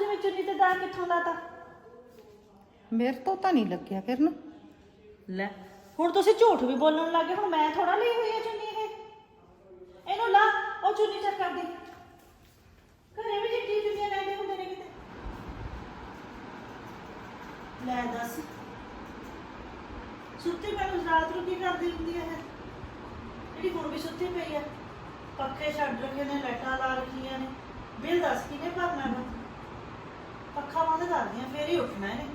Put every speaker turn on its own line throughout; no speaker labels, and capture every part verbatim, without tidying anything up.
ਤੁਸੀਂ ਮੈਂ ਚੁੰਨੀ ਤੇ ਦਾਗ ਕਿੱਥੋਂ ਲਾਤਾ?
ਮੇਰੇ ਤੋਂ ਤਾਂ ਨਹੀਂ ਲੱਗਿਆ ਕਿਰਨ।
ਲੈ ਹੁਣ ਤੁਸੀਂ ਝੂਠ ਵੀ ਬੋਲਣ ਲੱਗੇ। ਹੁਣ ਮੈਂ ਥੋੜਾ ਲਈ ਹੋਈ ਹੈ ਚੁੰਨੀ ਇਹ। ਇਹਨੂੰ ਲਾ, ਉਹ ਚੁੰਨੀ ਚੈੱਕ ਕਰ ਦੇ। ਘਰੇ ਵੀ ਜਿੱਡੀ ਚੁੰਨੀਆਂ ਲੈਂਦੇ ਹੁੰਦੇ ਨੇ ਕਿਤੇ। ਲੈ ਦੱਸ, ਸੁੱਤੀ ਪਈ ਨੂੰ ਰਾਤ ਨੂੰ ਕੀ ਕਰਦੀ ਹੁੰਦੀ ਹੈ ਇਹ? ਜਿਹੜੀ ਹੁਣ ਵੀ ਸੁੱਤੀ ਪਈ ਆ। ਪੱਖੇ ਛੱਡ ਰੱਖੇ ਨੇ, ਲਾਈਟਾਂ ਲਾ ਰੱਖੀਆਂ ਨੇ। ਬਿੱਲ ਦੱਸ ਕਿਹਨੇ ਭਰਨਾ ਵਾ? ਪੱਖਾ ਬੰਦ ਕਰਦੀ ਆ ਫੇਰ ਹੀ ਉੱਠਣਾ ਇਹਨੇ।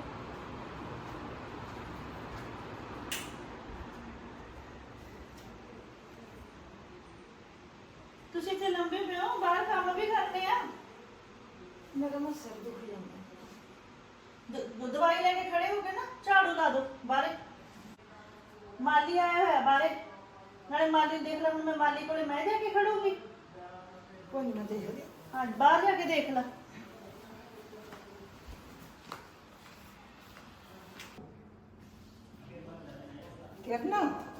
ਤੁਸੀਂ ਇੱਥੇ ਲੰਬੇ ਪਏ ਹੋ, ਬਾਹਰ ਕੰਮ ਵੀ ਕਰਨੇ ਆ।
ਮੇਰਾ ਨਾ ਸਿਰ ਦੁਖ ਜਾਂਦਾ।
ਦ- ਦਵਾਈ ਲੈ ਕੇ ਖੜੇ ਹੋ ਗਏ ਨਾ, ਝਾੜੂ ਲਾ ਦੋ ਬਾਹਰੇ। ਮਾਲੀ ਆਇਆ ਹੋਇਆ ਬਾਹਰੇ, ਨਾਲੇ ਮਾਲੀ ਨੂੰ ਦੇਖ ਲੈ। ਹੁਣ ਮੈਂ ਮਾਲੀ ਕੋਲੇ ਮੈਂ ਜਾ ਕੇ ਖੜੂੰਗੀ?
ਕੋਈ ਨਾ ਦੇਖਦੇ।
ਹਾਂ ਬਾਹਰ ਜਾ ਕੇ ਦੇਖ ਲੈ।
ਕਿਰਨ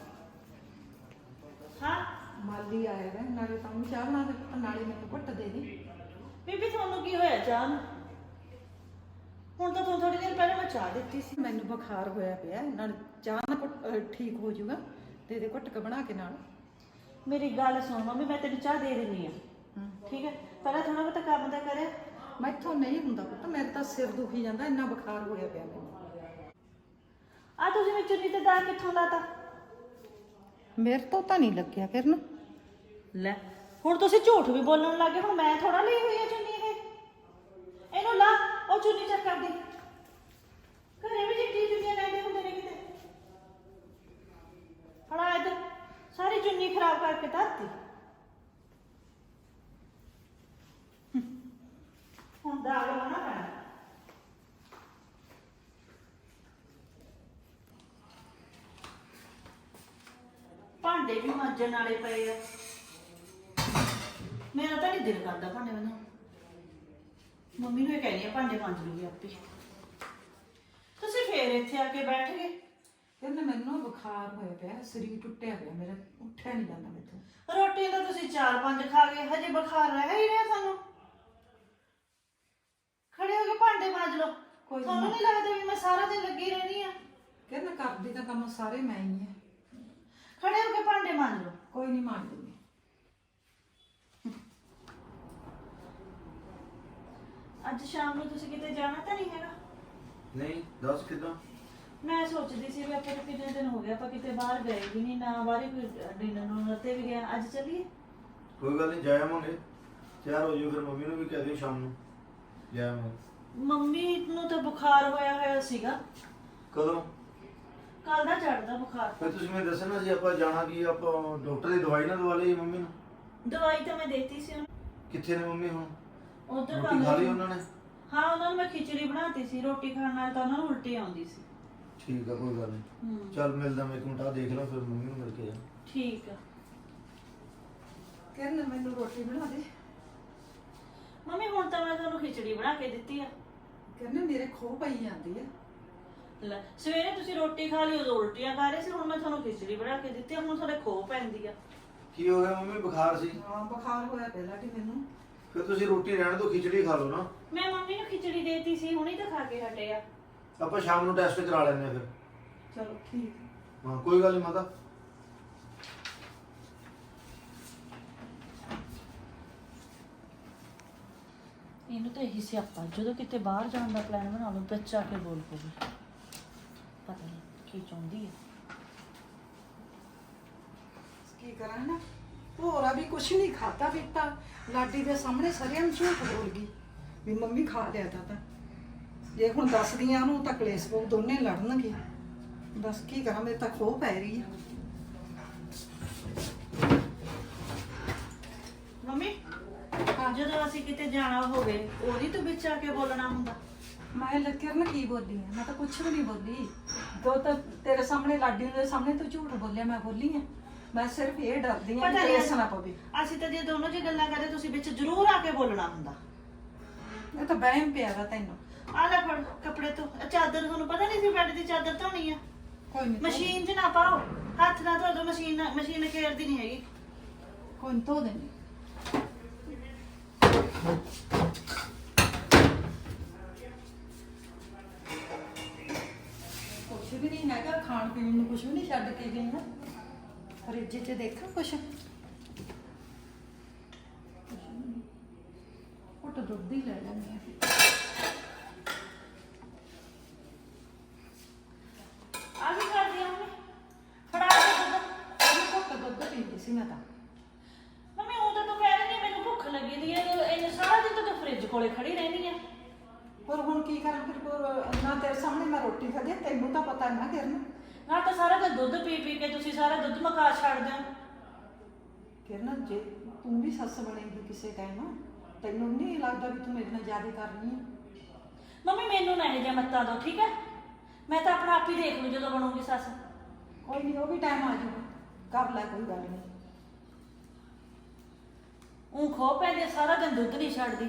ਹਾਂ
ਮਾਲੀ ਆਇਆ ਹੈ, ਨਾਲੇ ਤਾਂ ਚਾਹ ਬਣਾ ਦੇ ਨਾਲੇ ਮੈਨੂੰ ਘੁੱਟ ਦੇ ਦੇ।
ਬੀਬੀ ਤੁਹਾਨੂੰ ਕੀ ਹੋਇਆ ਚਾਹ ਨੂੰ? ਹੁਣ ਤਾਂ ਤੁਹਾਨੂੰ ਥੋੜੀ ਦੇਰ ਪਹਿਲਾਂ ਮੈਂ ਚਾਹ ਦਿੱਤੀ ਸੀ।
ਮੈਨੂੰ ਬੁਖਾਰ ਹੋਇਆ ਪਿਆ, ਨਾਲ ਚਾਹ ਨਾ ਘੁੱਟ- ਅਹ ਠੀਕ ਹੋ ਜਾਊਗਾ। ਦੇ ਦੇ ਘੁੱਟ ਕੇ ਬਣਾ ਕੇ ਨਾਲ।
ਮੇਰੀ ਗੱਲ ਸੁਣ ਮੰਮੀ, ਮੈਂ ਤੈਨੂੰ ਚਾਹ ਦੇ ਦਿੰਦੀ ਆ, ਠੀਕ ਹੈ? ਪਹਿਲਾਂ ਥੋੜਾ ਬਹੁਤਾ ਕੰਮ ਤਾਂ ਕਰਿਆ।
ਮੈਥੋਂ ਨਹੀਂ ਹੁੰਦਾ ਪੁੱਤ, ਮੇਰੇ ਤਾਂ ਸਿਰ ਦੁਖੀ ਜਾਂਦਾ, ਇੰਨਾ ਬੁਖਾਰ ਹੋਇਆ ਪਿਆ ਮੈਨੂੰ।
ਆ ਤੁਸੀਂ ਮੈਂ ਚੁੰਨੀ ਤੇ ਦਾਗ ਕਿੱਥੋਂ ਲਾਤਾ?
ਮੇਰੇ ਤੋਂ ਤਾਂ ਨਹੀਂ ਲੱਗਿਆ ਕਿਰਨ।
ਲੈ ਹੁਣ ਤੁਸੀਂ ਝੂਠ ਵੀ ਬੋਲਣ ਲੱਗੇ। ਹੁਣ ਮੈਂ ਥੋੜਾ ਲਈ ਹੋਈ ਹੈ ਚੁੰਨੀ ਇਹ। ਇਹਨੂੰ ਲਾ, ਉਹ ਚੁੰਨੀ ਚੈੱਕ ਕਰ ਦੇ। ਘਰੇ ਵੀ ਜਿੱਡੀ ਚੁੰਨੀਆਂ ਲੈਂਦੇ ਹੁੰਦੇ ਨੇ ਕਿਤੇ। ਫੜਾ ਇੱਧਰ, ਸਾਰੀ ਚੁੰਨੀ ਖਰਾਬ ਕਰਕੇ ਧਰਤੀ। ਹੁਣ ਦਾਗ ਲਾਉਣਾ ਪੈਣਾ। ਭਾਂਡੇ ਵੀ ਮਾਂਜਣ ਵਾਲੇ ਪਏ ਆ। ਮੇਰਾ ਤਾਂ ਨਹੀਂ ਦਿਲ ਕਰਦਾ ਭਾਂਡੇ ਮਾਂਜਣ। ਮੰਮੀ ਨੂੰ ਇਹ ਕਹਿੰਦੀ ਆ ਭਾਂਡੇ ਮਾਂਜ ਲੂਗੀ ਆਪੇ। ਤੁਸੀਂ ਫੇਰ ਇੱਥੇ ਆ ਕੇ ਬੈਠ ਗਏ।
ਕਿਰਨ ਮੈਨੂੰ ਬੁਖਾਰ ਹੋਇਆ ਪਿਆ, ਸਰੀਰ ਟੁੱਟਿਆ ਪਿਆ ਮੇਰਾ, ਉੱਠਿਆ ਨਹੀਂ ਜਾਂਦਾ ਮੈਥੋਂ।
ਰੋਟੀ ਤਾਂ ਤੁਸੀਂ ਚਾਰ ਪੰਜ ਖਾ ਗਏ, ਹਜੇ ਬੁਖਾਰ ਰਹਿ ਹੀ ਰਿਹਾ ਤੁਹਾਨੂੰ। ਖੜੇ ਹੋ ਕੇ ਭਾਂਡੇ ਮਾਂਜ ਲਓ।
ਕੋਈ
ਤੁਹਾਨੂੰ ਨਹੀਂ ਲੱਗਦਾ ਵੀ ਮੈਂ ਸਾਰਾ ਦਿਨ ਲੱਗੀ ਰਹਿਣੀ ਆ?
ਕਿਰਨ ਕਰਦੀ ਤਾਂ ਕੰਮ ਸਾਰੇ ਮੈਂ ਹੀ ਆ।
ਖੜੇ ਹੋ ਕੇ ਭਾਂਡੇ ਮਾਂਜ ਲਓ।
ਕੋਈ ਨਹੀਂ ਮਾਰ ਦਿੰਦੀ।
ਅੱਜ ਸ਼ਾਮ ਨੂੰ ਤੁਸੀਂ ਕਿਤੇ ਜਾਣਾ ਤਾਂ ਨਹੀਂ ਹੈਗਾ?
ਨਹੀਂ ਦੱਸ ਕਿੱਦਾਂ?
ਮੈਂ ਸੋਚਦੀ ਸੀ ਵੀ ਆਪਾਂ ਨੂੰ ਕਿੰਨੇ ਦਿਨ ਹੋ ਗਏ ਆਪਾਂ ਕਿਤੇ ਬਾਹਰ ਗਏ ਵੀ ਨਹੀਂ, ਨਾ ਬਾਹਰ ਕੋਈ ਡਿਨਰ ਨੂੰ ਤੇ ਵੀ ਗਿਆ। ਅੱਜ ਚੱਲੀਏ?
ਕੋਈ ਗੱਲ ਨਹੀਂ, ਜਾਵਾਂਗੇ। ਤਿਆਰ ਹੋ ਜਾਓ ਫਿਰ, ਮੰਮੀ ਨੂੰ ਵੀ ਕਹਿ ਦਿਓ ਸ਼ਾਮ ਨੂੰ ਜਾਵਾਂਗੇ।
ਮੰਮੀ ਨੂੰ ਤਾਂ ਬੁਖਾਰ ਹੋਇਆ ਹੋਇਆ ਸੀਗਾ
ਕਦੋਂ?
ਕੱਲ ਦਾ ਚੜਦਾ ਬੁਖਾਰ।
ਫਿਰ ਤੁਸੀਂ ਮੈਨੂੰ ਦੱਸਣਾ ਸੀ, ਆਪਾਂ ਜਾਣਾ ਕੀ, ਆਪਾਂ ਡਾਕਟਰ ਦੀ ਦਵਾਈ ਨਾ ਦਵਾ ਲਈ ਮੰਮੀ ਨੂੰ।
ਦਵਾਈ ਤਾਂ ਮੈਂ ਦੇਤੀ ਸੀ ਉਹਨੂੰ।
ਕਿੱਥੇ ਨੇ ਮੰਮੀ ਹੁਣ?
ਉਧਰ
ਰੋਟੀ ਖਾ ਲਈ ਉਹਨਾਂ ਨੇ?
ਹਾਂ ਉਹਨਾਂ ਨੂੰ ਮੈਂ ਖਿਚੜੀ ਬਣਾਤੀ ਸੀ। ਰੋਟੀ ਖਾਣ ਨਾਲ ਤਾਂ ਉਹਨਾਂ ਨੂੰ ਉਲਟੀ ਆਉਂਦੀ ਸੀ।
ਠੀਕ ਆ, ਕੋਈ ਗੱਲ ਨਹੀਂ।
ਹੂੰ
ਚੱਲ ਮਿਲਦਾ ਮੈਂ ਇੱਕ ਮਿੰਟ, ਆ ਦੇਖ ਲਾਂ ਫਿਰ ਮੰਮੀ ਨੂੰ ਮਿਲ ਕੇ ਜਾ।
ਠੀਕ ਆ।
ਕਿਰਨ ਮੈਨੂੰ ਰੋਟੀ ਬਣਾ ਦੇ।
ਮੰਮੀ ਹੁਣ ਤਾਂ ਮੈਂ ਤੁਹਾਨੂੰ ਖਿਚੜੀ ਬਣਾ ਕੇ ਦਿੱਤੀ ਆ।
ਕਿਰਨ ਮੇਰੇ ਖੋ ਪਈ ਜਾਂਦੀ ਆ।
ਲੈ ਸਵੇਰੇ ਤੁਸੀਂ ਰੋਟੀ ਖਾ ਲਈ, ਉਦੋਂ ਉਲਟੀਆਂ ਕਰ ਰਹੇ ਸੀ। ਹੁਣ ਮੈਂ ਤੁਹਾਨੂੰ ਖਿਚੜੀ ਬਣਾ ਕੇ ਦਿੱਤੀ ਆ, ਹੁਣ ਤੁਹਾਡੇ ਖੋ ਪੈਂਦੀ ਆ।
ਕੀ ਹੋ ਗਿਆ ਮੰਮੀ? ਬੁਖਾਰ ਸੀ?
ਹਾਂ ਬੁਖਾਰ ਹੋਇਆ ਪਿਆ ਲਾਡੀ ਮੈਨੂੰ।
ਫਿਰ ਤੁਸੀਂ ਰੋਟੀ ਰਹਿਣ ਦਿਓ, ਖਿਚੜੀ ਖਾ ਲਓ ਨਾ।
ਮੈਂ ਮੰਮੀ ਨੂੰ ਖਿਚੜੀ ਦੇਤੀ ਸੀ, ਹੁਣੀ ਤਾਂ ਖਾ ਕੇ ਹਟੇ ਆ।
ਆਪਾਂ ਸ਼ਾਮ ਨੂੰ ਟੈਸਟ ਕਰਾ ਲੈਂਦੇ ਆ ਫਿਰ।
ਚਲੋ ਠੀਕ।
ਹਾਂ ਕੋਈ ਗੱਲ ਨਹੀਂ ਮਾਤਾ।
ਇਹਨੂੰ ਤਾਂ ਇਹੀ ਸਿਆਪਾ, ਜਦੋਂ ਕਿਤੇ ਬਾਹਰ ਜਾਣ ਦਾ ਪਲਾਨ ਬਣਾ ਲਓ ਵਿੱਚ ਆ ਕੇ ਬੋਲ ਪਊਗੀ। ਪਤਾ ਨਹੀਂ ਕੀ ਚਾਹੁੰਦੀ ਹੈ।
ਕੀ ਕਰਾਂ ਨਾ, ਭੋਰਾ ਵੀ ਕੁਛ ਨਹੀਂ ਖਾਤਾ ਪੀਤਾ। ਲਾਡੀ ਦੇ ਸਾਹਮਣੇ ਸਰਿਆਂ ਨੂੰ ਝੂਠ ਬੋਲ ਗਈ ਵੀ ਮੰਮੀ ਖਾ ਲਿਆ ਤਾਂ ਤਾਂ ਜੇ ਹੁਣ ਦੱਸਦੀਆਂ ਉਹਨੂੰ ਤਾਂ ਕਲੇਸ਼ ਪਊ, ਦੋਨੇ ਲੜਨਗੇ। ਦੱਸ ਕੀ ਕਰਾਂ, ਮੇਰੇ ਤਾਂ ਖੋਹ ਪੈ ਰਹੀ ਆ।
ਮੰਮੀ ਜਦੋਂ ਅਸੀਂ ਕਿਤੇ ਜਾਣਾ ਹੋਵੇ ਉਹਦੀ ਤੂੰ ਵਿੱਚ ਆ ਕੇ ਬੋਲਣਾ ਹੁੰਦਾ।
ਮੈਂ ਲੱਕਿਰ ਨਾ ਕੀ ਬੋਲੀ ਆ? ਮੈਂ ਤਾਂ ਕੁਛ ਵੀ ਨਹੀਂ ਬੋਲੀ। ਦੋ ਤਾਂ ਤੇਰੇ ਸਾਹਮਣੇ ਲਾਡੀ ਦੇ ਸਾਹਮਣੇ ਤੂੰ ਝੂਠ ਬੋਲਿਆ, ਮੈਂ ਬੋਲੀ ਆ? ਮੈਂ ਸਿਰਫ ਇਹ ਡਰਦੀ ਆ ਕਿ ਕਲੇਸ਼ ਨਾ ਪਵੇ।
ਅਸੀਂ ਤਾਂ ਜੇ ਦੋਨੋਂ ਜੀ ਗੱਲਾਂ ਕਰਦੇ ਤੁਸੀਂ ਵਿੱਚ ਜ਼ਰੂਰ ਆ ਕੇ ਬੋਲਣਾ ਹੁੰਦਾ।
ਇਹ ਤਾਂ ਵਹਿਮ ਪਿਆ ਵਾ ਤੈਨੂੰ।
ਆ ਲੈ ਫੜ ਕੱਪੜੇ ਤੋਂ। ਚਾਦਰ ਤੁਹਾਨੂੰ ਪਤਾ ਨਹੀਂ ਸੀ ਬੈੱਡ ਦੀ ਚਾਦਰ ਧੋਣੀ ਆ।
ਕੋਈ ਨਹੀਂ,
ਮਸ਼ੀਨ 'ਚ ਨਾ ਪਾਓ, ਹੱਥ ਨਾਲ ਧੋ ਦੋ। ਮਸ਼ੀਨ ਮਸ਼ੀਨ ਘੇਰਦੀ ਨਹੀਂ ਹੈਗੀ।
ਕੋਈ ਨੀ, ਧੋ ਦੇਣੀ। ਵੀ ਨਹੀਂ ਹੈਗਾ, ਖਾਣ ਪੀਣ ਨੂੰ ਕੁਝ ਵੀ ਨਹੀਂ ਛੱਡ ਕੇ ਗਈ ਨਾ। ਫਰਿੱਜ 'ਚ ਦੇਖਾਂ ਕੁਛ, ਘੁੱਟ ਦੁੱਧ ਹੀ ਲੈ ਲੈਂਦੇ ਆ।
ਆ ਵੀ ਕਰਦੀ ਆ ਮੰਮੀ, ਫੜਾ ਦੇ ਦੁੱਧ।
ਅਰੇ ਘੁੱਟ ਦੁੱਧ ਪੀਂਦੀ ਸੀ ਮੈਂ ਤਾਂ।
ਮੰਮੀ ਉਹ ਤਾਂ ਤੂੰ ਕਹਿ ਰਹੀ ਹੈ ਮੈਨੂੰ ਭੁੱਖ ਲੱਗੀ ਦੀ ਹੈ, ਇਹ ਸਾਰਾ ਦਿਨ ਤਾਂ ਤੂੰ ਫ੍ਰਿਜ ਕੋਲੇ ਖੜੀ ਰਹਿੰਦੀ ਆ।
ਪਰ ਹੁਣ ਕੀ ਕਰਾਂ ਫਿਰ, ਕੋਲ ਨਾ ਤੇਰੇ ਸਾਹਮਣੇ ਮੈਂ ਰੋਟੀ ਖਾਧੀ, ਤੈਨੂੰ ਤਾਂ ਪਤਾ ਨਾ ਕਿਰਨ।
ਨਾਲ ਤਾਂ ਸਾਰਾ ਦਿਨ ਦੁੱਧ ਪੀ ਪੀ ਕੇ ਤੁਸੀਂ ਸਾਰਾ ਦੁੱਧ ਮਕਾ ਛੱਡਦੇ ਹੋ।
ਕਿਰਨ ਜੇ ਤੂੰ ਵੀ ਸੱਸ ਬਣੇਗੀ ਕਿਸੇ ਟਾਈਮ, ਤੈਨੂੰ ਨਹੀਂ ਲੱਗਦਾ ਵੀ ਤੂੰ ਮੇਰੇ ਨਾਲ ਜ਼ਿਆਦਾ ਕਰਨੀ ਹੈ?
ਮੰਮੀ ਮੈਨੂੰ ਨਾ ਇਹ ਜਿਹਾ ਮੱਤਾ ਦਿਓ, ਠੀਕ ਹੈ? ਮੈਂ ਤਾਂ ਆਪਣਾ ਆਪ ਹੀ ਦੇਖ ਲੂ ਜਦੋਂ ਬਣੂਗੀ ਸੱਸ।
ਕੋਈ ਨਹੀਂ, ਉਹ ਵੀ ਟਾਈਮ ਆ ਜਾਊਗਾ, ਕਰ ਲੈ, ਕੋਈ ਗੱਲ ਨਹੀਂ।
ਉਹ ਖੋ ਪੈਂਦੇ ਸਾਰਾ ਦਿਨ ਦੁੱਧ ਨਹੀਂ ਛੱਡਦੀ।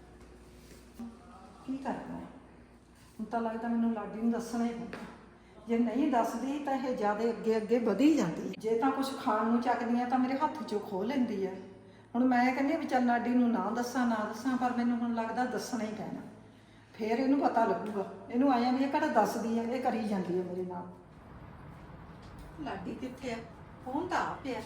ਕੀ ਕਰਨਾ ਹੈ ਹੁਣ, ਤਾਂ ਲੱਗਦਾ ਮੈਨੂੰ ਲਾਡੀ ਨੂੰ ਦੱਸਣਾ ਹੀ ਪਊਗਾ। ਜੇ ਨਹੀਂ ਦੱਸਦੀ ਤਾਂ ਇਹ ਜ਼ਿਆਦਾ ਅੱਗੇ ਅੱਗੇ ਵਧੀ ਜਾਂਦੀ ਹੈ। ਜੇ ਤਾਂ ਕੁਝ ਖਾਣ ਨੂੰ ਚੱਕਦੀ ਆ ਤਾਂ ਮੇਰੇ ਹੱਥ 'ਚੋਂ ਖੋਹ ਲੈਂਦੀ ਹੈ। ਹੁਣ ਮੈਂ ਕਹਿੰਦੀ ਵੀ ਚੱਲ ਲਾਡੀ ਨੂੰ ਨਾ ਦੱਸਾਂ ਨਾ ਦੱਸਾਂ, ਪਰ ਮੈਨੂੰ ਹੁਣ ਲੱਗਦਾ ਦੱਸਣਾ ਹੀ ਪੈਣਾ, ਫੇਰ ਇਹਨੂੰ ਪਤਾ ਲੱਗੂਗਾ। ਇਹਨੂੰ ਆਇਆ ਵੀ ਇਹ ਕਿਹੜਾ ਦੱਸਦੀ ਹੈ, ਇਹ ਕਰੀ ਜਾਂਦੀ ਹੈ ਮੇਰੇ ਨਾਲ। ਲਾਡੀ ਕਿੱਥੇ ਆ? ਫੋਨ ਤਾਂ ਆ ਪਿਆ।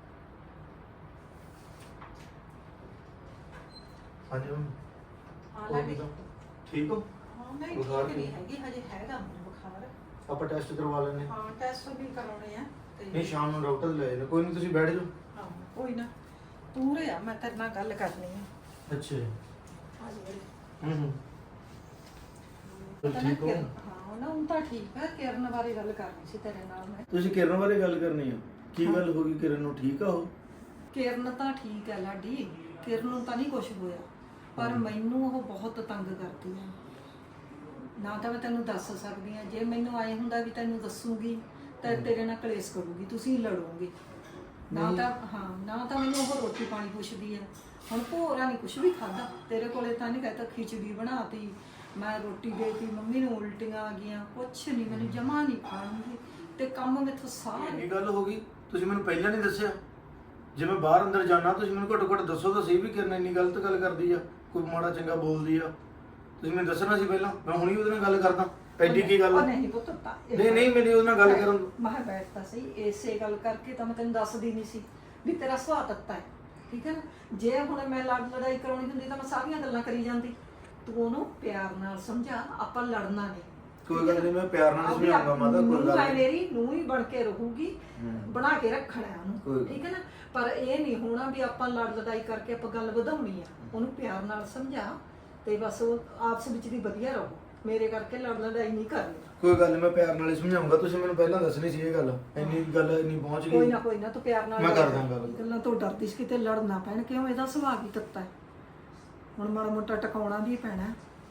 ਹਾਂਜੀ ਮੰਮੀ,
ਹਾਂ ਲਾਡੀ,
ਠੀਕ ਹੋ?
ਹਾਂ ਨਹੀਂ
ਬੁਖਾਰ
ਠੀਕ ਨਹੀਂ
ਨਹੀਂ?
ਹੈਗੀ, ਹਜੇ ਹੈਗਾ ਮੈਨੂੰ ਬੁਖਾਰ।
ਆਪਾਂ ਟੈਸਟ ਕਰਵਾ ਲੈਣੇ।
ਹਾਂ ਟੈਸਟ ਵੀ ਕਰਾਉਣੇ ਆ ਤੇ
ਨਹੀਂ ਸ਼ਾਮ ਨੂੰ ਡਾਕਟਰ ਲੈ ਜਾਣਾ, ਕੋਈ ਨਹੀਂ ਤੁਸੀਂ ਬੈਠ ਜਾਓ।
ਹਾਂ ਕੋਈ ਨਾ, ਤੂੰ ਰਿਹਾ, ਮੈਂ ਤੇਰੇ ਨਾਲ ਗੱਲ ਕਰਨੀ ਆ।
ਅੱਛਾ
ਹਾਂ ਜੀ।
ਹੂੰ ਹੂੰ
ਪਤਾ ਨਾ
ਠੀਕ ਹੋ?
ਕਿਰਨ- ਹਾਂ ਨਾ ਹੁਣ ਤਾਂ ਠੀਕ ਹੈ। ਕਿਰਨ ਬਾਰੇ ਗੱਲ ਕਰਨੀ ਸੀ ਤੇਰੇ ਨਾਲ ਮੈਂ।
ਤੁਸੀਂ ਕਿਰਨ ਬਾਰੇ ਗੱਲ ਕਰਨੀ ਆ? ਕੀ ਗੱਲ ਹੋ ਗਈ? ਕਿਰਨ ਨੂੰ ਠੀਕ ਆ ਉਹ?
ਕਿਰਨ ਤਾਂ ਠੀਕ ਹੈ ਲਾਡੀ, ਕਿਰਨ ਨੂੰ ਤਾਂ ਨਹੀਂ ਕੁਝ ਹੋਇਆ, ਪਰ ਮੈਨੂੰ ਉਹ ਬਹੁਤ ਤੰਗ ਕਰਦੀ ਹੈ। ਨਾ ਤਾਂ ਮੈਂ ਤੈਨੂੰ ਦੱਸ ਸਕਦੀ ਹਾਂ, ਜੇ ਮੈਨੂੰ ਆਏ ਹੁੰਦਾ ਵੀ ਤੈਨੂੰ ਦੱਸੂਗੀ ਤਾਂ ਤੇਰੇ ਨਾਲ ਕਲੇਸ਼ ਕਰੂਗੀ, ਤੁਸੀਂ ਲੜੋਗੇ। ਨਾ ਤਾਂ ਹਾਂ ਨਾ ਤਾਂ ਮੈਨੂੰ ਉਹ ਰੋਟੀ ਪਾਣੀ ਪੁੱਛਦੀ ਹੈ। ਹੁਣ ਭੋਰਾ ਨਹੀਂ ਕੁਝ ਵੀ ਖਾਦਾ, ਤੇਰੇ ਕੋਲੇ ਤਾਂ ਨਹੀਂ ਕਹਤਾ ਖਿਚੜੀ ਬਣਾਤੀ, ਮੈਂ ਰੋਟੀ ਦੇਤੀ, ਮੰਮੀ ਨੂੰ ਉਲਟੀਆਂ ਆ ਗਈਆਂ, ਕੁਛ ਨਹੀਂ, ਮੈਨੂੰ ਜਮਾ ਨਹੀਂ ਖਾਣਗੀ ਤੇ ਕੰਮ ਮੈਥੋਂ ਸਾਰਾ।
ਇੰਨੀ ਗੱਲ ਹੋ ਗਈ, ਤੁਸੀਂ ਮੈਨੂੰ ਪਹਿਲਾਂ ਨਹੀਂ ਦੱਸਿਆ? ਜੇ ਮੈਂ ਬਾਹਰ ਅੰਦਰ ਜਾਣਾ ਤੁਸੀਂ ਮੈਨੂੰ ਘੱਟੋ ਘੱਟ ਦੱਸੋ ਤਾਂ ਸਹੀ ਵੀ ਕਿਰਨ ਇੰਨੀ ਗਲਤ ਗੱਲ ਕਰਦੀ ਆ, ਕੋਈ ਮਾੜਾ ਚੰਗਾ ਬੋਲਦੀ ਆ। ਤੁਸੀਂ ਮੈਨੂੰ ਦੱਸਣਾ ਸੀ ਪਹਿਲਾਂ, ਮੈਂ ਹੁਣੀ ਉਹਦੇ ਨਾਲ ਗੱਲ ਕਰਦਾ। ਐਡੀ ਕੀ ਗੱਲ?
ਨਹੀਂ ਪੁੱਤ,
ਨਹੀਂ ਨਹੀਂ ਮੇਰੀ ਉਹਦੇ ਨਾਲ ਗੱਲ ਕਰਨ।
ਮੈਂ ਬੈਠਦਾ ਸੀ, ਇਸੇ ਗੱਲ ਕਰਕੇ ਤਾਂ ਮੈਂ ਤੈਨੂੰ ਦੱਸਦੀ ਨਹੀਂ ਸੀ ਵੀ ਤੇਰਾ ਸੁਭਾਅ ਤੱਤਾ ਹੈ, ਠੀਕ ਹੈ ਨਾ। ਜੇ ਹੁਣ ਮੈਂ ਲੜ ਲੜਾਈ ਕਰਾਉਣੀ ਹੁੰਦੀ ਤਾਂ ਮੈਂ ਸਾਰੀਆਂ ਗੱਲਾਂ ਕਰੀ ਜਾਂਦੀ। ਤੂੰ ਉਹਨੂੰ ਪਿਆਰ ਨਾਲ ਸਮਝਾ, ਆਪਾਂ ਲੜਨਾ ਨਹੀਂ।
ਕੋਈ ਗੱਲ ਨਹੀਂ, ਮੈਂ ਪਿਆਰ ਨਾਲ ਸਮਝਾਉਂਗਾ ਮਾਤਾ, ਕੋਈ ਗੱਲ ਨਹੀਂ।
ਮੇਰੀ ਨੂੰਹ ਹੀ ਬਣ ਕੇ ਰਹੂਗੀ, ਬਣਾ ਕੇ ਰੱਖਣਾ ਉਹਨੂੰ,
ਕੋਈ
ਠੀਕ ਹੈ ਨਾ। ਪਰ ਇਹ ਨਹੀਂ ਹੋਣਾ ਵੀ ਆਪਾਂ ਲੜ ਲੜਾਈ ਕਰਕੇ ਆਪਾਂ ਗੱਲ ਵਧਾਉਣੀ ਆ। ਉਹਨੂੰ ਪਿਆਰ ਨਾਲ ਸਮਝਾ ਤੇ ਬਸ ਉਹ ਆਪਸ ਵਿੱਚ ਦੀ ਵਧੀਆ ਰਹੋ, ਮੇਰੇ ਕਰਕੇ ਲੜ ਲੜਾਈ ਨਹੀਂ ਕਰਨੀ।
ਕੋਈ ਗੱਲ ਨਹੀਂ, ਮੈਂ ਪਿਆਰ ਨਾਲ ਹੀ ਸਮਝਾਉਂਗਾ। ਤੁਸੀਂ ਮੈਨੂੰ ਪਹਿਲਾਂ ਦੱਸਣੀ ਸੀ ਇਹ ਗੱਲ, ਇੰਨੀ ਗੱਲ ਇੰਨੀ ਪਹੁੰਚ ਗਈ।
ਕੋਈ ਨਾ ਕੋਈ ਨਾ, ਤੂੰ ਪਿਆਰ ਨਾਲ
ਮੈਂ ਕਰਦਾ ਗੱਲ।
ਗੱਲਾਂ ਤੋਂ ਡਰਦੀ ਸੀ ਕਿਤੇ ਲੜ ਨਾ ਪੈਣ, ਕਿਉਂ ਇਹਦਾ ਸੁਭਾਅ ਵੀ ਤੱਤਾ ਹੈ। ਹੁਣ ਮਾੜਾ ਮੋਟਾ ਟਿਕਾਉਣਾ ਵੀ ਪੈਣਾ।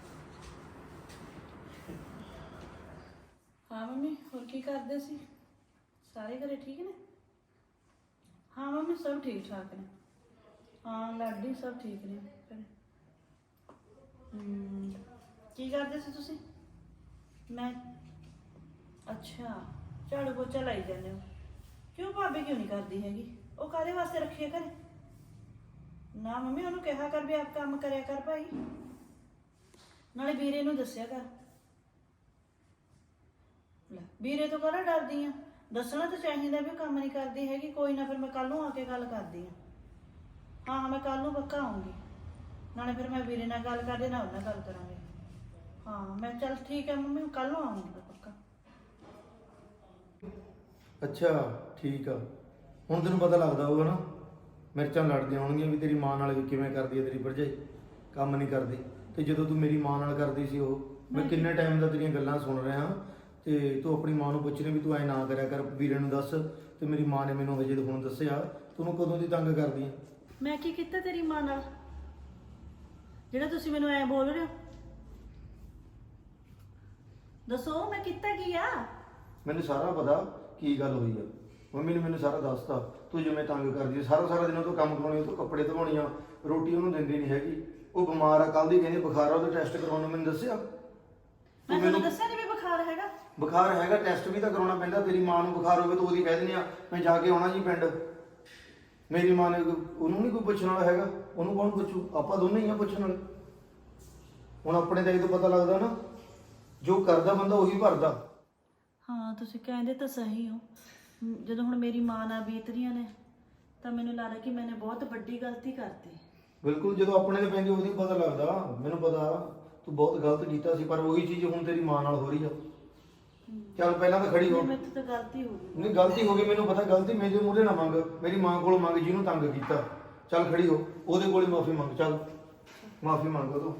ਹਾਂ ਮੰਮੀ, ਹੋਰ ਕੀ ਕਰਦੇ ਸੀ? ਸਾਰੇ ਘਰੇ ਠੀਕ ਨੇ? ਹਾਂ ਮੰਮੀ, ਸਭ ਠੀਕ ਠਾਕ ਨੇ। ਹਾਂ ਲਾਡੀ ਸਭ ਠੀਕ ਨੇ ਘਰੇ। ਹਮ, ਕੀ ਕਰਦੇ ਸੀ ਤੁਸੀਂ? ਮੈਂ ਅੱਛਾ, ਝਾੜੂ ਪੋਚਾ ਲਾਈ ਜਾਂਦੇ ਹੋ। ਕਿਉਂ ਭਾਬੀ ਕਿਉਂ ਨਹੀਂ ਕਰਦੀ ਹੈਗੀ? ਉਹ ਕਾਹਦੇ ਵਾਸਤੇ ਰੱਖੀ ਹੈ ਘਰੇ? ਨਾ ਮੰਮੀ, ਉਹਨੂੰ ਕਿਹਾ ਕਰ ਵੀ ਆਪ ਕੰਮ ਕਰਿਆ ਕਰ ਭਾਈ, ਨਾਲੇ ਵੀਰੇ ਨੂੰ ਦੱਸਿਆ ਕਰ। ਲੈ, ਵੀਰੇ ਤੋਂ ਕਾਹਦਾ ਡਰਦੀ ਆ? ਦੱਸਣਾ ਤਾਂ ਚਾਹੀਦਾ ਵੀ ਕੰਮ ਨਹੀਂ ਕਰਦੀ ਹੈਗੀ। ਕੋਈ ਨਾ, ਫਿਰ ਮੈਂ ਕੱਲ ਨੂੰ ਆ ਕੇ ਗੱਲ ਕਰਦੀ ਆ। ਹਾਂ ਹਾਂ, ਮੈਂ ਕੱਲ ਨੂੰ ਪੱਕਾ ਆਉਂਗੀ, ਨਾਲੇ ਫਿਰ ਮੈਂ ਵੀਰੇ ਨਾਲ ਗੱਲ ਕਰਦੇ ਨਾਲ ਉਹਨਾਂ ਨਾਲ ਗੱਲ ਕਰਾਂਗੇ। ਹਾਂ ਮੈਂ ਚੱਲ ਠੀਕ ਹੈ ਮੰਮੀ, ਕੱਲ ਨੂੰ ਆਉਂਗੀ ਪੱਕਾ।
ਅੱਛਾ ਠੀਕ ਆ, ਹੁਣ ਤੈਨੂੰ ਪਤਾ ਲੱਗਦਾ ਹੋਊਗਾ ਨਾ ਮਿਰਚਾਂ ਲੜਦੀਆਂ ਹੋਣਗੀਆਂ ਵੀ ਤੇਰੀ ਮਾਂ ਨਾਲ ਵੀ ਕਿਵੇਂ ਕਰਦੀ ਹੈ ਤੇਰੀ ਭਰਜਾਈ, ਕੰਮ ਨਹੀਂ ਕਰਦੀ। ਤੇ ਜਦੋਂ ਤੂੰ ਮੇਰੀ ਮਾਂ ਨਾਲ ਕਰਦੀ ਸੀ ਉਹ, ਮੈਂ ਕਿੰਨੇ ਟਾਈਮ ਦਾ ਤੇਰੀਆਂ ਗੱਲਾਂ ਸੁਣ ਰਿਹਾ, ਤੇ ਤੂੰ ਆਪਣੀ ਮਾਂ ਨੂੰ ਪੁੱਛ ਰਹੀ ਵੀ ਤੂੰ ਐ ਨਾ ਕਰਿਆ ਕਰ, ਵੀਰੇ ਨੂੰ ਦੱਸ। ਤੇ ਮੇਰੀ ਮਾਂ ਨੇ ਮੈਨੂੰ ਹਜੇ ਹੁਣ ਦੱਸਿਆ, ਤੂੰ ਕਦੋਂ ਦੀ ਤੰਗ ਕਰਦੀ ਹੈ?
ਮੈਂ ਕੀ ਕੀਤਾ ਤੇਰੀ ਮਾਂ ਨਾਲ ਜਿਹੜਾ ਤੁਸੀਂ ਮੈਨੂੰ ਐ ਬੋਲ ਰਹੇ ਹੋ? ਦੱਸੋ ਮੈਂ ਕੀਤਾ ਕੀ ਆ?
ਮੈਨੂੰ ਸਾਰਾ ਪਤਾ ਕੀ ਗੱਲ ਹੋਈ ਆ, ਮੰਮੀ ਨੇ ਮੈਨੂੰ ਸਾਰਾ ਦੱਸਤਾ। ਤੂੰ ਜਿਵੇਂ ਤੰਗ ਕਰਦੀ ਹੈ, ਸਾਰਾ ਸਾਰਾ ਦਿਨ ਉਹ ਤੋਂ ਕੰਮ ਕਰਾਉਣੀ, ਉਹ ਤੋਂ ਕੱਪੜੇ ਧਵਾਉਣੀ ਆ, ਰੋਟੀ ਉਹਨੂੰ ਦਿੰਦੀ ਨਹੀਂ ਹੈਗੀ। ਉਹ ਬਿਮਾਰ ਆ, ਕੱਲ ਦੀ ਕਹਿੰਦੀ ਬੁਖਾਰ ਆ, ਉਹਦਾ ਟੈਸਟ ਕਰਾਉਣ ਨੂੰ ਮੈਨੂੰ ਦੱਸਿਆ।
ਮੈਂ ਤੁਹਾਨੂੰ ਦੱਸਿਆ ਨਹੀਂ ਵੀ ਬੁਖਾਰ ਹੈਗਾ?
ਬੁਖਾਰ ਹੈਗਾ, ਟੈਸਟ ਵੀ ਤਾਂ ਕਰਾਉਣਾ ਪੈਂਦਾ। ਤੇਰੀ ਮਾਂ ਨੂੰ ਬੁਖਾਰ ਹੋਵੇ ਤਾਂ ਉਹਦੀ ਕਹਿ ਦਿੰਦੇ ਆ ਮੈਂ ਜਾ ਕੇ ਆਉਣਾ ਜੀ ਪਿੰਡ। ਮੇਰੀ ਮਾਂ ਨੇ ਉਹਨੂੰ ਨਹੀਂ ਕੋਈ ਪੁੱਛਣ ਵਾਲਾ ਹੈਗਾ, ਉਹਨੂੰ ਕੌਣ ਪੁੱਛੂ? ਆਪਾਂ ਦੋਨੇ ਹੀ ਆ ਪੁੱਛਣ ਵਾਲੇ। ਹੁਣ ਆਪਣੇ ਤਾਂ ਇਹ ਤੋਂ ਪਤਾ ਲੱਗਦਾ ਨਾ, ਜੋ ਕਰਦਾ ਬੰਦਾ ਉਹੀ ਭਰਦਾ।
ਹਾਂ ਤੁਸੀਂ ਕਹਿੰਦੇ ਤਾਂ ਸਹੀ ਹੋ। ਮ, ਜਦੋਂ ਹੁਣ ਮੇਰੀ ਮਾਂ ਨਾਲ ਬੀਤ ਰਹੀਆਂ ਨੇ ਤਾਂ ਮੈਨੂੰ ਲੱਗਦਾ ਕਿ ਮੈंने ਬਹੁਤ ਵੱਡੀ ਗਲਤੀ ਕਰਤੀ।
ਬਿਲਕੁਲ, ਜਦੋਂ ਆਪਣੇ ਤੇ ਪੈਂਦੀ ਉਹਦੀ ਪਤਾ ਲੱਗਦਾ। ਮੈਨੂੰ ਪਤਾ ਤੂੰ ਬਹੁਤ ਗਲਤ ਕੀਤਾ ਸੀ, ਪਰ ਉਹੀ ਚੀਜ਼ ਹੁਣ ਤੇਰੀ ਮਾਂ ਨਾਲ ਹੋ ਰਹੀ ਆ। ਚੱਲ ਪਹਿਲਾਂ ਤਾਂ ਖੜੀ ਹੋ।
ਮੇਰੇ ਤੋਂ ਤਾਂ ਗਲਤੀ ਹੋ ਗਈ।
ਨਹੀਂ ਗਲਤੀ ਹੋ ਗਈ, ਮੈਨੂੰ ਪਤਾ ਗਲਤੀ ਮੇਰੇ ਮੂਹਰੇ ਨਾ ਮੰਗ, ਮੇਰੀ ਮਾਂ ਕੋਲ ਮੰਗ ਜਿਹਨੂੰ ਤੰਗ ਕੀਤਾ। ਚੱਲ ਖੜੀ ਹੋ, ਉਹਦੇ ਕੋਲ ਹੀ ਮਾਫੀ ਮੰਗ। ਚੱਲ ਮਾਫੀ ਮੰਗ ਤੂੰ।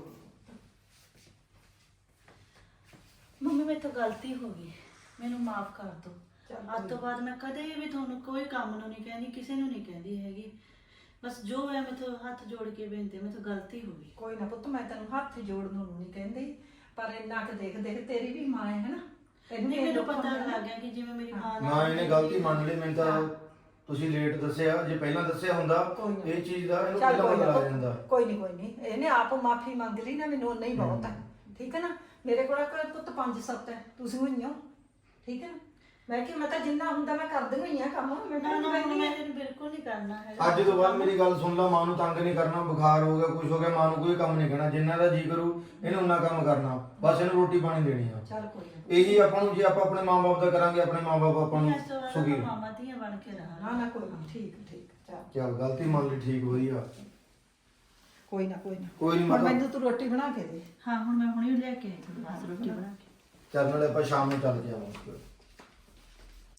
ਮੰਮੀ ਮੇਰੇ ਤੋਂ ਗਲਤੀ ਹੋ ਗਈ, ਮੈਨੂੰ ਮਾਫ ਕਰ ਦਿਓ। ਅੱਜ ਤੋਂ ਬਾਅਦ ਮੈਂ ਕਦੇ ਵੀ ਤੁਹਾਨੂੰ ਕੋਈ ਕੰਮ ਨੂੰ ਨਹੀਂ ਕਹਿੰਦੀ, ਕਿਸੇ ਨੂੰ ਨਹੀਂ ਕਹਿੰਦੀ ਹੈਗੀ। ਬਸ ਜੋ ਹੋਇਆ ਮੈਥੋਂ ਹੱਥ ਜੋੜ ਕੇ ਬੇਨਤੀ, ਮੈਥੋਂ ਗਲਤੀ ਹੋ ਗਈ।
ਕੋਈ ਨਾ ਪੁੱਤ, ਮੈਂ ਤੈਨੂੰ ਹੱਥ ਜੋੜਨ ਨੂੰ ਨਹੀਂ ਕਹਿੰਦੀ, ਪਰ ਇੰਨਾ ਕੁ ਦੇਖ ਦੇਖ ਤੇਰੀ ਵੀ ਮਾਂ ਹੈ ਹਨਾ। ਤੈਨੂੰ
ਨਹੀਂ
ਵੀ
ਮੈਨੂੰ
ਦੁੱਖ
ਪਤਾ
ਹੁੰਦਾ ਨਾ।
ਲੱਗ ਗਿਆ ਕਿ ਜਿਵੇਂ ਮੇਰੀ ਮਾਂ
ਨਾ ਇਹਨੇ ਗਲਤੀ ਮੰਨ ਲਈ। ਮੈਨੂੰ ਤਾਂ ਤੁਸੀਂ ਲੇਟ ਦੱਸਿਆ, ਜੇ ਪਹਿਲਾਂ ਦੱਸਿਆ ਹੁੰਦਾ
ਕੋਈ ਨਾ।
ਇਹ ਚੀਜ਼ ਦਾ ਇਹਨੂੰ
ਚੱਲ
ਪਹਿਲਾਂ
ਕੋਈ
ਪਤਾ
ਨਾ
ਲੱਗ
ਪੁੱਤ,
ਜਾਂਦਾ।
ਕੋਈ ਨਹੀਂ ਕੋਈ ਨਹੀਂ, ਇਹਨੇ ਆਪ ਮਾਫੀ ਮੰਗ ਲਈ ਨਾ, ਮੈਨੂੰ ਉਨਾ ਹੀ ਬਹੁਤ ਹੈ। ਠੀਕ ਹੈ ਨਾ, ਮੇਰੇ ਕੋਲ ਕੋਈ ਪੁੱਤ ਪੰਜ ਸੱਤ ਹੈ, ਤੁਸੀਂ ਹੋਈ ਹੋ। ਠੀਕ ਹੈ ਨਾ, ਮੈਂ ਕਿ ਮੈਂ ਤਾਂ ਜਿੰਨਾ ਹੁੰਦਾ ਮੈਂ ਕਰਦੀ ਹੋਈ ਆ ਕੰਮ। ਮੈਂ
ਨਾ
ਤਾਂ
ਨਾ
ਨਹੀਂ
ਮੈਂ ਤੈਨੂੰ ਬਿਲਕੁਲ ਨਹੀਂ ਕਰਨਾ ਹੈਗਾ।
ਅੱਜ ਤੋਂ ਬਾਅਦ ਮੇਰੀ ਗੱਲ ਸੁਣ ਲਾ, ਮਾਂ ਨੂੰ ਤੰਗ ਨਹੀਂ ਕਰਨਾ। ਬੁਖਾਰ ਹੋ ਗਿਆ, ਕੁਝ ਹੋ ਗਿਆ, ਮਾਂ ਨੂੰ ਕੋਈ ਕੰਮ ਨਹੀਂ ਕਰਨਾ। ਜਿੰਨਾ ਦਾ ਜੀ ਕਰੂ ਇਹਨੂੰ ਉਨਾ ਕੰਮ ਕਰਨਾ। ਬਸ ਇਹਨੂੰ ਰੋਟੀ ਪਾਣੀ ਦੇਣੀ ਆ।
ਚੱਲ ਕੋਈ ਨਾ
ਇਹੀ ਆਪਾਂ ਨੂੰ, ਜੇ ਆਪਾਂ ਆਪਣੇ ਮਾਂ-ਬਾਪ ਦਾ ਕਰਾਂਗੇ, ਆਪਣੇ ਮਾਂ-ਬਾਪ ਆਪਾਂ ਨੂੰ
ਇਸ ਤੋਂ ਬਾਅਦ
ਸੁਖੀ।
ਆਪਾਂ ਮਾਮਾ ਧੀਆਂ ਬਣ ਕੇ ਰਹਾਂਗੇ।
ਨਾ ਨਾ ਕੋਈ ਨਾ, ਠੀਕ ਠੀਕ, ਚੱਲ
ਚੱਲ ਗਲਤੀ ਮੰਨ ਲਈ, ਠੀਕ ਵਧੀਆ।
ਕੋਈ ਨਾ ਕੋਈ ਨਾ।
ਕੋਈ ਨਹੀਂ
ਹੁਣ
ਮਾਤਾ,
ਮੈਨੂੰ ਤੂੰ ਰੋਟੀ ਬਣਾ ਕੇ ਦੇ।
ਹਾਂ ਹੁਣ ਮੈਂ ਹੁਣੇ ਲੈ ਕੇ ਆਈ ਤੁਹਾਨੂੰ ਬਸ ਰੋਟੀ ਬਣਾ ਕੇ।
ਚੱਲ ਨਾਲੇ ਆਪਾਂ ਸ਼ਾਮ ਨੂੰ ਚੱਲ ਕੇ ਆਵਾਂਗੇ।